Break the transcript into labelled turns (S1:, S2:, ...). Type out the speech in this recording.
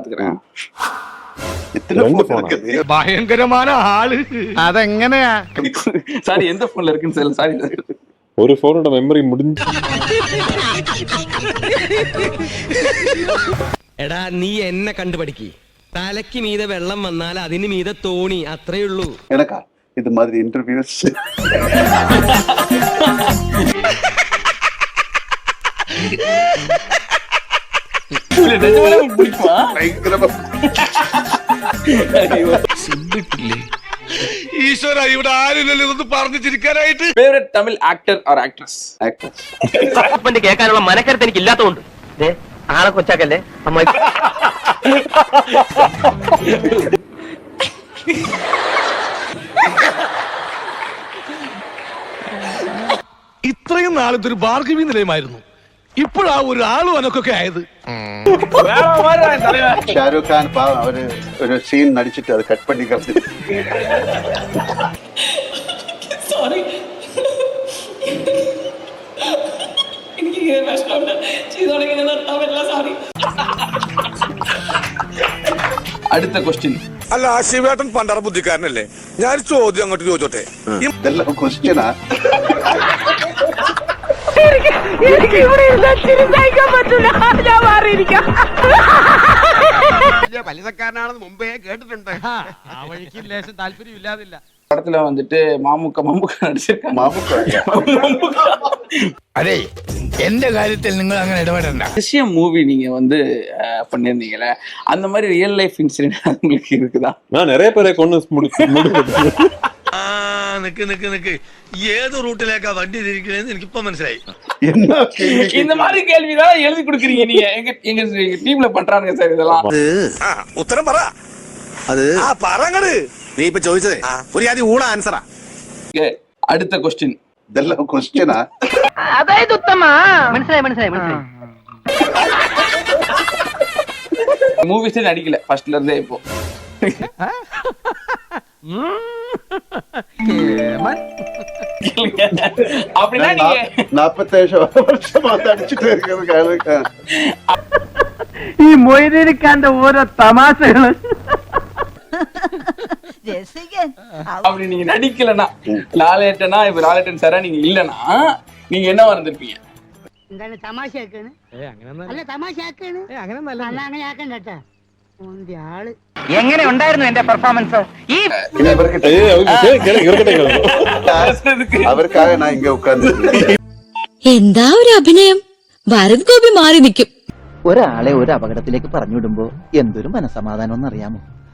S1: பாத்துக்கிறேன்.
S2: ഭയങ്കരമായ ആള്. അതെങ്ങനെയാ?
S1: சாரி, எந்த போன்ல இருக்குன்னு சொல்ல. சாரி,
S3: ஒரு போனோட மெமரி முடிஞ்சு.
S4: എടാ നീ എന്നെ കണ്ടുപഠിക്ക്. തലയ്ക്ക് മീതെ വെള്ളം വന്നാൽ അതിന് മീതെ തോണി, അത്രേ ഉള്ളൂ.
S5: எனக்கா இது மாதிரி இன்டர்வியூஸ்
S1: பிடிக்குமா?
S5: பயங்கரமா
S2: ഈശ്വര, ഇവിടെ ആരില്ലല്ലോ ഇതൊന്ന് പറഞ്ഞു ചിരിക്കാനായിട്ട്.
S1: Favourite Tamil actor or actress?
S5: Actors
S4: കേൾക്കാനുള്ള മനക്കരുത്ത് എനിക്ക് ഇല്ലാത്തതുകൊണ്ട് ആളെ കൊച്ചാക്കല്ലേ അമ്മ.
S2: ഇത്രയും നാളത്തെ ഒരു ഭാർഗവി നിലയമായിരുന്നു. ഇപ്പോഴാ ഒരു ആളും അനക്കൊക്കെ ആയത്.
S5: ஷாருக் கான் பாவம் அவரு ஒரு சீன் நடிச்சிட்டு அதை கட் பண்ணி கலந்து.
S6: സോറി, എനിക്ക് വിഷമമുണ്ട്. ചെയ്തോടെ നിർത്താൻ പറ്റില്ല. സോറി.
S1: அடுத்த கொஸ்டின்.
S2: അല്ല, ശിവേട്ടൻ പണ്ടാറ ബുദ്ധിക്കാരനല്ലേ? ഞാൻ ചോദ്യം അങ്ങോട്ട് ചോദിച്ചോട്ടെ.
S5: இதெல்லாம் கொஸ்டினா?
S7: എനിക്ക് ഇവിടെ ചിരിക്കാൻ പറ്റില്ല. ഞാൻ മാറിയിരിക്കാം.
S2: പലിതക്കാരനാണെന്ന് മുമ്പേ കേട്ടിട്ടുണ്ട്. ആ വഴിക്ക് ലേശം താല്പര്യം ഇല്ലാതില്ല.
S1: படத்துல வந்துட்டு மாமுக்கா நடிச்சிருக்காங்க.
S2: അതെ, എന്റെ കാര്യത്തിൽ നിങ്ങൾ അങ്ങനെ ഇടപെടണ്ട.
S1: விஷயம் மூவி நீங்க வந்து பண்ணிருந்தீங்கல்ல, அந்த மாதிரி ரியல் லைஃப் இன்சிடென்ட் உங்களுக்கு இருக்குதா?
S3: நான் நிறைய பேரை கொண்டு
S2: നിക്ക് ഏത് റൂട്ടിലേക്കാ വണ്ടി തിരിക്കണേന്ന് എനിക്കിപ്പോ മനസ്സിലായി.
S5: என்ன
S1: இந்த மாதிரி கேள்விதான் எழுதி கொடுக்குறீங்க நீங்க. எங்க டீம்ல பண்றாங்க சார் இதெல்லாம்.
S2: ഉത്തരം പറ. അത് പറങ്ങട്. നീ ഇപ്പൊ ചോദിച്ചതേ ഒരു ആദ്യം ഊണ ആൻസറാ.
S1: அடுத்த கொஸ்டின்.
S5: இதெல்லாம் கொஸ்டினா?
S7: അതായത് ഉത്തമ മനസ്സിലായി.
S1: மூவிஸே நடிக்கல ஃபர்ஸ்ட்ல இருந்தே இப்போ. அப்படின்னா நீங்க
S5: 47 வருஷமா நடிச்சிட்டு இருக்கிறது.
S7: ഈ മൊയ്തീനിക്കാന്റെ ഓരോ തമാശകള്.
S1: அப்படி நீங்க நடிக்கலனா, லாலேட்டனா இப்ப லாலேட்டன் சாரா நீங்க இல்லனா நீங்க என்ன வந்திருப்பீங்க?
S7: എന്താണ് തമാശയാക്കാണ്? അല്ല തമാശയാക്കാണ്. അങ്ങനെ ആക്കണ്ടട്ടാ. ആള് എങ്ങനെ ഉണ്ടായിരുന്നു എന്റെ പെർഫോമൻസ്? ഈ
S5: അവർക്കാக நான் இங்க உட்கார்ந்து
S8: എന്താ ഒരു അഭിനയം. ഭാരത് ഗോപി മാറി നിൽക്കും.
S9: ഒരാളെ ഒരു അപകടത്തിലേക്ക് പറഞ്ഞുവിടുമ്പോ എന്തൊരു മനസമാധാനം എന്നറിയാമോ?